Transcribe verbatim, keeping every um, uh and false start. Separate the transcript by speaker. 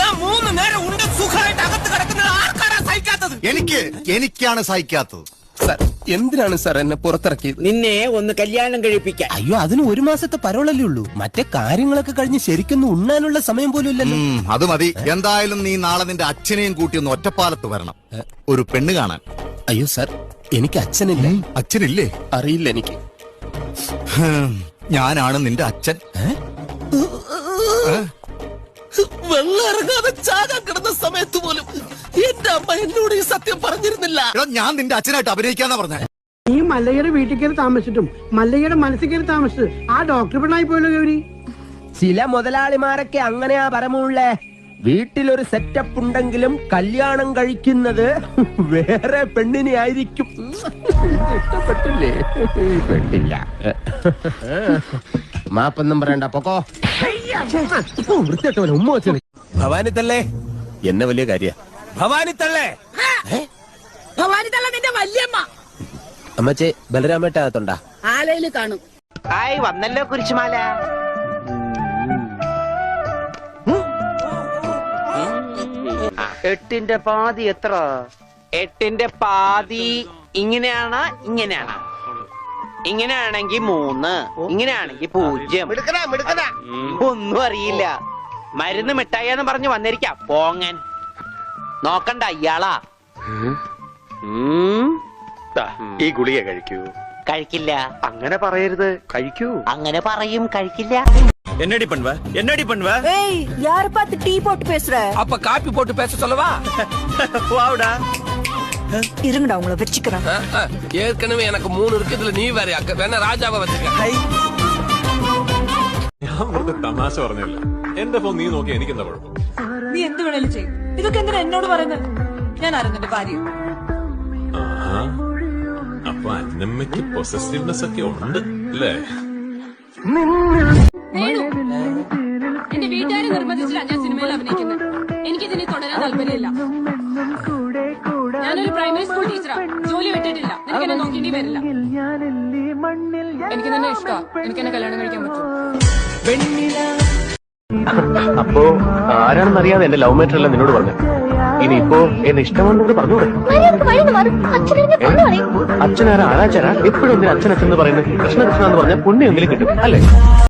Speaker 1: ഞാൻ മൂന്ന് നേരം ഉണ്ട് സുഖമായിട്ട് അകത്ത് കിടക്കുന്നത് ആർക്കാരാ സഹിക്കാത്തത്?
Speaker 2: എനിക്ക് എനിക്കാണ് സഹിക്കാത്തത്.
Speaker 1: സാർ, എന്തിനാണ് സാർ എന്നെ പുറത്തിറക്കിയത്?
Speaker 3: നിന്നെ ഒന്ന് കല്യാണം കഴിപ്പിക്കാൻ.
Speaker 1: അയ്യോ, അതിന് ഒരു മാസത്തെ പരോളല്ലേ ഉള്ളൂ. മറ്റേ കാര്യങ്ങളൊക്കെ കഴിഞ്ഞ് ശരിക്കൊന്നും ഉണ്ണാനുള്ള സമയം പോലും ഇല്ലല്ലോ.
Speaker 2: അത് മതി. എന്തായാലും നീ നാളെ നിന്റെ അച്ഛനെയും കൂട്ടി ഒന്ന് ഒറ്റപ്പാലത്ത് വരണം, ഒരു പെണ്ണ് കാണാൻ.
Speaker 1: അയ്യോ സാർ, എനിക്ക് അച്ഛനില്ല.
Speaker 2: അച്ഛനില്ലേ?
Speaker 1: അറിയില്ല എനിക്ക്.
Speaker 2: ഞാനാണ് നിന്റെ അച്ഛൻ.
Speaker 1: വെള്ളം ഇറങ്ങാതെ ചാകാൻ കിടന്ന സമയത്ത് പോലും എന്റെ അമ്മ എന്നോട് ഈ സത്യം പറഞ്ഞിരുന്നില്ല.
Speaker 2: ഞാൻ നിന്റെ അച്ഛനായിട്ട് അഭിനയിക്കാന്നാ പറഞ്ഞ.
Speaker 4: ഈ മല്ലയ്യയുടെ വീട്ടിൽ കയറി താമസിച്ചിട്ടും മല്ലയ്യയുടെ മനസ്സിൽ കയറി താമസിച്ചത് ആ ഡോക്ടർ പെണ്ണായി പോയല്ലോ ഗൗരി.
Speaker 5: ചില മുതലാളിമാരൊക്കെ അങ്ങനെയാ പരമുള്ളേ. വീട്ടിലൊരു സെറ്റപ്പ് ഉണ്ടെങ്കിലും കല്യാണം കഴിക്കുന്നത് വേറെ പെണ്ണിനെ ആയിരിക്കും. ഇഷ്ടപ്പെട്ടില്ലേ? പെട്ടില്ല. മാപ്പൊന്നും പറയണ്ട, പൊക്കോ. വൃത്തിട്ടവൻ ഉമ്മ വെച്ചു.
Speaker 1: ഭവാനി തള്ളേ, എന്നെ വലിയ കാര്യ. ഭവാനി തള്ളേ,
Speaker 6: ഭവാനി തള്ള നിന്റെ വല്യമ്മ.
Speaker 1: അമ്മച്ചേ, ബലരാമേട്ടകത്തുണ്ടാ?
Speaker 6: ആലയില് കാണും.
Speaker 3: ആയി വന്നല്ലോ കുരിശുമാല. എട്ടിന്റെ പാതി എത്ര? എട്ടിന്റെ പാതി ഇങ്ങനെയാണ്, ഇങ്ങനെയാണ്. ഇങ്ങനെയാണെങ്കി മൂന്ന്, ഇങ്ങനെയാണെങ്കി പൂജ്യം. ഒന്നും അറിയില്ല. മരുന്ന് മിഠായിന്ന് പറഞ്ഞു വന്നിരിക്കാം പോങ്ങൻ. നോക്കണ്ട ഇയാളാ.
Speaker 7: ഈ ഗുളിക കഴിക്കൂ.
Speaker 3: കഴിക്കില്ല.
Speaker 7: അങ്ങനെ പറയരുത്, കഴിക്കൂ.
Speaker 3: അങ്ങനെ പറയും, കഴിക്കില്ല.
Speaker 7: என்னடி பண்ணுவ என்னடி பண்ணுவ?
Speaker 6: ஏய், யார பார்த்து டீ போட்டு பேசுற?
Speaker 1: அப்ப காப்பி போட்டு பேச சொல்லவா?
Speaker 7: வாடா.
Speaker 6: இருங்கடா, உங்களை வெச்சிக்கிறேன்.
Speaker 1: ஏற்கனவே எனக்கு மூணு இருக்கு, இதுல நீ வேற. அக்க வேணா ராஜாவை வச்சுக்க.
Speaker 8: ഞാൻ വെറുതെ തമാശ പറഞ്ഞല്ലേ. എന്റെ ഫോൺ നീ നോക്കി എനിക്ക് എന്താ കുഴപ്പം?
Speaker 6: നീ എന്ത് വേണേലും ചെയ്യും. ഇതൊക്കെ എന്തിനാ എന്നോട് പറയുന്നത്? ഞാൻ അറിഞ്ഞിട്ട് ഭാര്യ.
Speaker 8: അപ്പൊ അന്നമ്മയ്ക്ക് പൊസസീവ്നെസ് ഒക്കെ ഉണ്ട് അല്ലേ?
Speaker 9: എന്റെ വീട്ടുകാരെ നിർബന്ധിച്ചില്ല ഞാൻ സിനിമയിൽ അഭിനയിക്കുന്നത്. എനിക്കിതിനെ തുടരാൻ താല്പര്യമില്ല. ഞാനൊരു പ്രൈമറി സ്കൂൾ ടീച്ചറാ. ജോലി വിട്ടിട്ടില്ല. എനിക്ക് എന്നെ നോക്കേണ്ടി വരില്ല. എനിക്ക് തന്നെ ഇഷ്ടമാണ്. എനിക്ക് എന്നെ കല്യാണം കഴിക്കാൻ പറ്റും.
Speaker 7: അപ്പോ ആരാണെന്നറിയാതെ എന്റെ ലവ് മാറ്റർ എല്ലാം നിന്നോട് പറഞ്ഞു. ഇനിയിപ്പോ എന്നെ ഇഷ്ടമാണെന്നോട് പറഞ്ഞൂടെ? അച്ഛനാരാ ആരാച്ചാരാ? എപ്പോഴും എന്തിനാ അച്ഛൻ അച്ഛൻ എന്ന് പറയുന്നത്? കൃഷ്ണ കൃഷ്ണ എന്ന് പറഞ്ഞാൽ പുണ്യം എന്തെങ്കിലും കിട്ടും അല്ലേ?